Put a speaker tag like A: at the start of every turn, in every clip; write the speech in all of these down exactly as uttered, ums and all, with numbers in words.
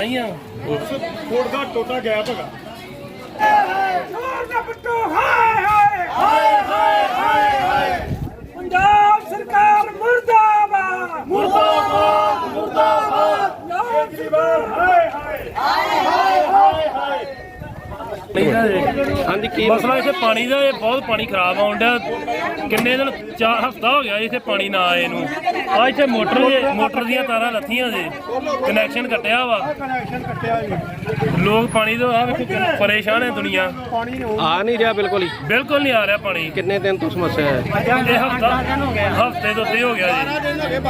A: ਹੀ ਆ
B: ਫੁੱਟ ਦਾ ਟੋਟਾ ਗੈਪ ਹੈਗਾ।
C: ਪੰਜਾਬ ਸਰਕਾਰ ਮੁਰਦਾਬਾਦ
B: ਮੁਰਦਾਬਾਦ ਮੁਰਦਾਬਾਦ ਕੇਜਰੀਵਾਲ ਹਾਏ ਹਾਏ ਹਾਏ ਹਾਏ ਹਾਏ।
A: ਹਾਂਜੀ ਕੀ ਮਸਲਾ ਇੱਥੇ ਪਾਣੀ ਦਾ? ਇਹ ਬਹੁਤ ਪਾਣੀ ਖਰਾਬ ਆਉਣ ਡਿਆ। ਕਿੰਨੇ ਦਿਨ ਚਾਰ ਹਫ਼ਤਾ ਹੋ ਗਿਆ ਇੱਥੇ ਪਾਣੀ ਨਾ ਆਏ ਨੂੰ। ਆ ਇੱਥੇ ਮੋਟਰ ਮੋਟਰ ਦੀਆਂ ਤਾਰਾਂ ਲੱਥੀਆਂ ਜੇ, ਕਨੈਕਸ਼ਨ ਕੱਟਿਆ ਵਾ।
B: ਕਨੈਕਸ਼ਨ ਕੱਟਿਆ ਜੀ।
A: ਲੋਕ ਪਾਣੀ ਤੋਂ ਆ ਵੇਖੋ ਪਰੇਸ਼ਾਨ ਹੈ ਦੁਨੀਆ।
D: ਆ ਨਹੀਂ ਰਿਹਾ ਬਿਲਕੁਲ ਹੀ
A: ਬਿਲਕੁਲ ਨਹੀਂ ਆ ਰਿਹਾ ਪਾਣੀ।
D: ਕਿੰਨੇ ਦਿਨ ਤੋਂ ਸਮੱਸਿਆ ਹੈ?
A: ਇਹ ਹਫ਼ਤਾ ਹਫ਼ਤੇ ਤੋਂ ਉੱਤੇ ਹੋ ਗਿਆ ਜੀ।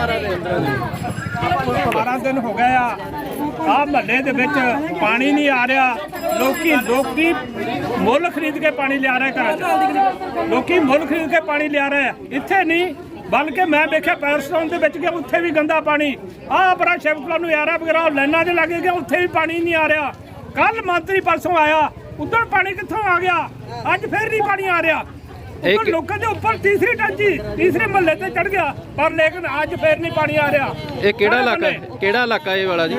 C: ਬਾਰਾਂ ਦਿਨ ਹੋ ਗਏ ਆ। ਆ ਮਹੱਲੇ ਦੇ ਵਿੱਚ ਪਾਣੀ ਨਹੀਂ ਆ ਰਿਹਾ। ਲੋਕੀ ਲੋਕੀ ਮੁੱਲ ਖਰੀਦ ਕੇ ਪਾਣੀ ਲਿਆ ਰਹੇ ਘਰਾਂ 'ਚ। ਲੋਕੀ ਮੁੱਲ ਖਰੀਦ ਕੇ ਪਾਣੀ ਲਿਆ ਰਹੇ। ਇੱਥੇ ਨਹੀਂ ਬਲਕਿ ਮੈਂ ਵੇਖਿਆ ਪੈਰਸਟਾਊਨ ਦੇ ਵਿੱਚ ਗਿਆ, ਉੱਥੇ ਵੀ ਗੰਦਾ ਪਾਣੀ। ਆਹ ਬੜਾ ਸ਼ਿਵਕਲਾ ਨੂੰ ਯਾਰਾ ਵਗੈਰਾ ਲਾਈਨਾਂ 'ਚ ਲੱਗੇ ਗਿਆ, ਉੱਥੇ ਵੀ ਪਾਣੀ ਨਹੀਂ ਆ ਰਿਹਾ। ਕੱਲ ਮੰਤਰੀ ਪਰਸੋਂ ਆਇਆ, ਉਧਰ ਪਾਣੀ ਕਿੱਥੋਂ ਆ ਗਿਆ? ਅੱਜ ਫਿਰ ਨਹੀਂ ਪਾਣੀ ਆ ਰਿਹਾ। ਇੱਕ ਲੋਕਾਂ ਦੇ ਉੱਪਰ ਤੀਸਰੀ ਟੈਂਕੀ ਤੀਸਰੇ ਮਹੱਲੇ ਤੇ ਚੜ ਗਿਆ, ਪਰ ਲੇਕਿਨ ਅੱਜ ਫੇਰ ਨਹੀਂ ਪਾਣੀ ਆ ਰਿਹਾ।
D: ਇਹ ਕਿਹੜਾ ਇਲਾਕਾ ਹੈ? ਕਿਹੜਾ ਇਲਾਕਾ ਇਹ ਵਾਲਾ ਜੀ?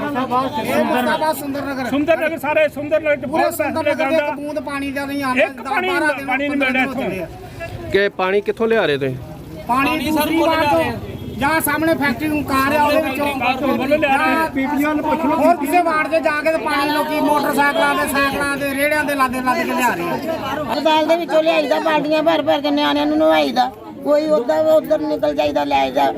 C: ਸੁੰਦਰ ਨਗਰ। ਸਾਰੇ ਸੁੰਦਰ ਨਗਰ ਚ ਬਹੁਤ ਪੈਸੇ ਗੰਦਾ ਬੂੰਦ ਪਾਣੀ ਦਾ ਨਹੀਂ ਆਉਂਦਾ। ਇੱਕ ਪਾਣੀ ਪਾਣੀ ਨਹੀਂ ਮਿਲ ਰਿਹਾ ਇੱਥੋਂ।
D: ਕਿ ਪਾਣੀ ਕਿੱਥੋਂ ਲਿਆ ਰਹੇ ਤੁਸੀਂ?
C: ਪਾਣੀ ਦੂਸਰੀ ਵਾਰ ਤੋਂ ਜਾਂ ਸਾਹਮਣੇ ਫੈਕਟਰੀ ਨੂੰ ਕਾਰ ਆ ਉਹਦੇ ਵਿੱਚੋਂ ਪੀਪੀਆਂ ਨੂੰ ਪੁੱਛ ਲਓ। ਹੋਰ ਕਿਸੇ ਵਾਰਡ ਦੇ ਜਾ ਕੇ ਤੇ ਪਾਣੀ ਲੋਕੀ ਮੋਟਰਸਾਈਕਲਾਂ ਦੇ ਸਾਈਕਲਾਂ ਦੇ ਰੇੜਿਆਂ ਦੇ ਲਾਦੇ ਲੱਦ ਕੇ ਲਿਆ ਰਹੇ ਆ।
E: ਹਸਪਤਾਲ ਦੇ ਵਿੱਚੋਂ ਲਿਆਈਦਾ, ਬਾਲਟੀਆਂ ਭਰ ਭਰ ਕੇ ਨਿਆਣਿਆਂ ਨੂੰ ਨਵਾਈਦਾ। ਕੋਈ ਉੱਦਾਂ ਉੱਧਰ ਨਿਕਲ ਜਾਈਦਾ ਲੈ ਜਾ।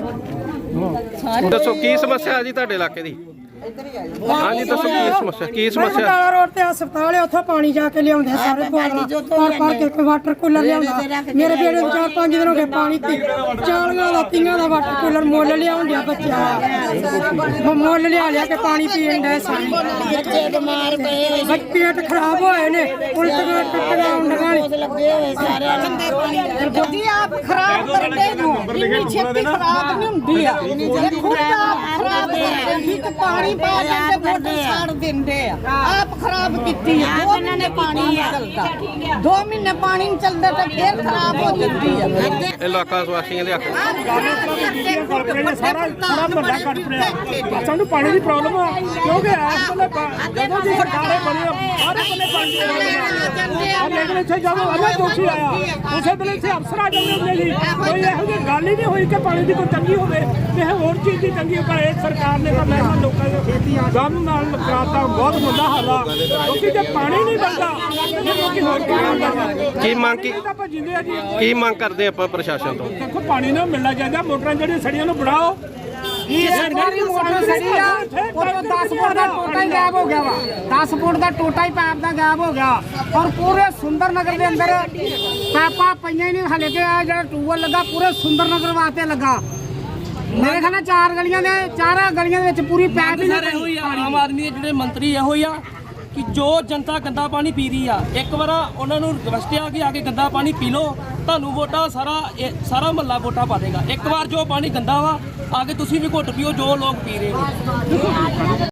D: ਦੱਸੋ ਕੀ ਸਮੱਸਿਆ ਹੈ ਜੀ ਤੁਹਾਡੇ ਇਲਾਕੇ ਦੀ? ਹਾਂਜੀ ਦੱਸੋ ਕੀ ਸਮੱਸਿਆ ਕੀ ਸਮੱਸਿਆ?
F: ਬਟਾਲਾ ਰੋਡ ਤੇ ਹਸਪਤਾਲ ਹੈ, ਉੱਥੋਂ ਪਾਣੀ ਜਾ ਕੇ ਲਿਆਉਂਦੇ ਸਾਰੇ ਪਰ ਪਰ ਕੇ ਵਾਟਰ ਕੂਲਰ ਲਿਆਉਂਦਾ। ਮੇਰੇ ਬੇੜੇ ਨੂੰ ਚਾਰ ਪੰਜ ਦਿਨ ਹੋ ਗਏ ਪਾਣੀ ਤੇ ਚਾਲੀਆਂ ਦਾ ਤੀਆਂ ਦਾ ਵਾਟਰ ਕੂਲਰ ਮੁੱਲ ਲਿਆਉਣ ਡਿਆ ਬੱਚਿਆਂ ਦਾ। ਮੁੱਲ ਲਿਆ ਲਿਆ ਕੇ ਪਾਣੀ ਪੀਣ ਦਾ ਸਾਰੇ
E: ਬੱਚੇ ਬਿਮਾਰ ਪਏ ਹੋਏ
F: ਬੱਚੇ ਪੇਟ ਖਰਾਬ ਹੋਏ ਨੇ, ਉਲਟੀਆਂ ਟੱਟੀਆਂ ਹੁੰਦੀਆਂ ਨੇ।
E: ਲੱਗੇ ਹੋਏ ਸਾਰੇ
G: ਜੀ ਆਪ ਖਰਾਬ ਕਰਦੇ ਨੂੰ ਇੰਨੀ ਛੇਤੀ ਖਰਾਬ ਨਹੀਂ ਹੁੰਦੀ ਆ। ਖੁਦ ਆਪ ਖਰਾਬ ਕਰਦੇ ਕਿ ਪਾਣੀ ਪਾ ਕੇ ਮੋਟਰ ਸਾੜ ਦਿੰਦੇ ਆ। ਆਪ ਖਰਾਬ ਕੀਤੀ ਹੈ। ਦੋ ਮਹੀਨੇ ਪਾਣੀ ਨਹੀਂ ਚੱਲਦਾ, ਦੋ ਮਹੀਨੇ ਪਾਣੀ ਨਹੀਂ ਚੱਲਦਾ ਤਾਂ ਫੇਰ ਖਰਾਬ ਹੋ ਜਾਂਦੀ ਹੈ।
D: ਇਲਾਕਾ ਵਾਸੀਆਂ ਦੇ ਹੱਕ
C: ਸਾਰਾ ਸਾਰਾ ਮਹੱਲਾ ਕੱਟ ਪਿਆ। ਸਾਨੂੰ ਪਾਣੀ ਦੀ ਪ੍ਰੋਬਲਮ ਆ, ਕਿਉਂਕਿ ਇਸ ਵੇਲੇ ਜਦੋਂ ਦੀ ਸਰਕਾਰੇ ਬਣੀ ਸਾਰੇ ਬੰਨੇ ਪਾਣੀ ਆ। ਲੇਕਿਨ ਇੱਥੇ ਜਦੋਂ ਅਜੇ ਦੋਸ਼ੀ ਆਇਆ ਉਸੇ ਵੇਲੇ ਇੱਥੇ ਅਫਸਰ ਆ ਜਾਂਦੇ ਹੁੰਦੇ ਸੀ। ਕੋਈ ਇਹੋ ਜਿਹੀ ਗੱਲ ਹੀ ਨਹੀਂ ਹੋਈ ਕਿ ਪਾਣੀ ਦੀ ਕੋਈ ਤੰਗੀ ਹੋਵੇ ਤੇ ਹੋਰ ਚੀਜ਼ ਦੀ ਤੰਗੀ ਹੋ। ਪਰ ਇਹ ਸਰਕਾਰ ਨੇ ਤਾਂ ਮੈਂ ਲੋਕਾਂ ਦੇ ਗਮ ਨਾਲ ਕਰਾਤਾ। ਬਹੁਤ ਮੰਦਾ ਹਾਲ ਆ, ਕਿਉਂਕਿ ਜੇ ਪਾਣੀ ਨਹੀਂ ਬਣਦਾ ਲੋਕੀ ਹੋਰ ਕੀ ਕਰਦਾ।
D: ਕੀ ਮੰਗ ਕੀ
C: ਆਪਾਂ ਜਿੰਦੇ ਆ ਜੀ।
D: ਕੀ ਮੰਗ ਕਰਦੇ ਆਪਾਂ ਪ੍ਰਸ਼ਾਸਨ ਤੋਂ?
C: ਦੇਖੋ ਪਾਣੀ ਨਾ ਮਿਲਣਾ ਚਾਹੀਦਾ। ਮੋਟਰਾਂ ਜਿਹੜੀਆਂ ਸੜੀਆਂ ਨੂੰ ਬਣਾਓ।
G: ਸਰਕਾਰੀ ਮੋਟਰ ਸੜੀ ਆ, ਉਹ ਦਸ ਫੁੱਟ ਦਾ ਟੋਟਾ ਹੀ ਗਾਇਬ ਹੋ ਗਿਆ ਵਾ। ਦਸ ਫੁੱਟ ਦਾ ਟੋਟਾ ਹੀ ਪੈਪ ਦਾ ਗਾਇਬ ਹੋ ਗਿਆ। ਔਰ ਪੂਰੇ ਸੁੰਦਰ ਨਗਰ ਦੇ ਅੰਦਰ ਪੈਪਾਂ ਪਈਆਂ ਹੀ ਨਹੀਂ। ਹਲੇ ਕਿ ਆ ਜਿਹੜਾ ਟੂਬਲ ਲੱਗਾ ਪੂਰੇ ਸੁੰਦਰ ਨਗਰ ਵਾਸਤੇ ਲੱਗਾ। ਮੇਰੇ ਖਿਆਲ ਨਾਲ ਚਾਰ ਗਲੀਆਂ ਦੇ ਚਾਰਾਂ ਗਲੀਆਂ ਦੇ ਵਿੱਚ ਪੂਰੀ ਪੈਪ ਹੀ ਨਹੀਂ
H: ਹੋਈ ਆ। ਆਮ ਆਦਮੀ ਦੇ ਜਿਹੜੇ ਮੰਤਰੀ ਇਹੋ ਹੀ ਆ ਕਿ ਜੋ ਜਨਤਾ ਗੰਦਾ ਪਾਣੀ ਪੀ ਰਹੀ ਆ, ਇੱਕ ਵਾਰ ਉਹਨਾਂ ਨੂੰ ਰਿਕਵੈਸਟ ਆ ਕਿ ਆ ਕੇ ਗੰਦਾ ਪਾਣੀ ਪੀ ਲਓ, ਤੁਹਾਨੂੰ ਵੋਟਾਂ ਸਾਰਾ ਸਾਰਾ ਮਹੱਲਾ ਵੋਟਾਂ ਪਾ ਦੇਗਾ। ਇੱਕ ਵਾਰ ਜੋ ਪਾਣੀ ਗੰਦਾ ਵਾ ਆ ਕੇ ਤੁਸੀਂ ਵੀ ਘੁੱਟ ਪੀਓ ਜੋ ਲੋਕ ਪੀ ਰਹੇ ਨੇ।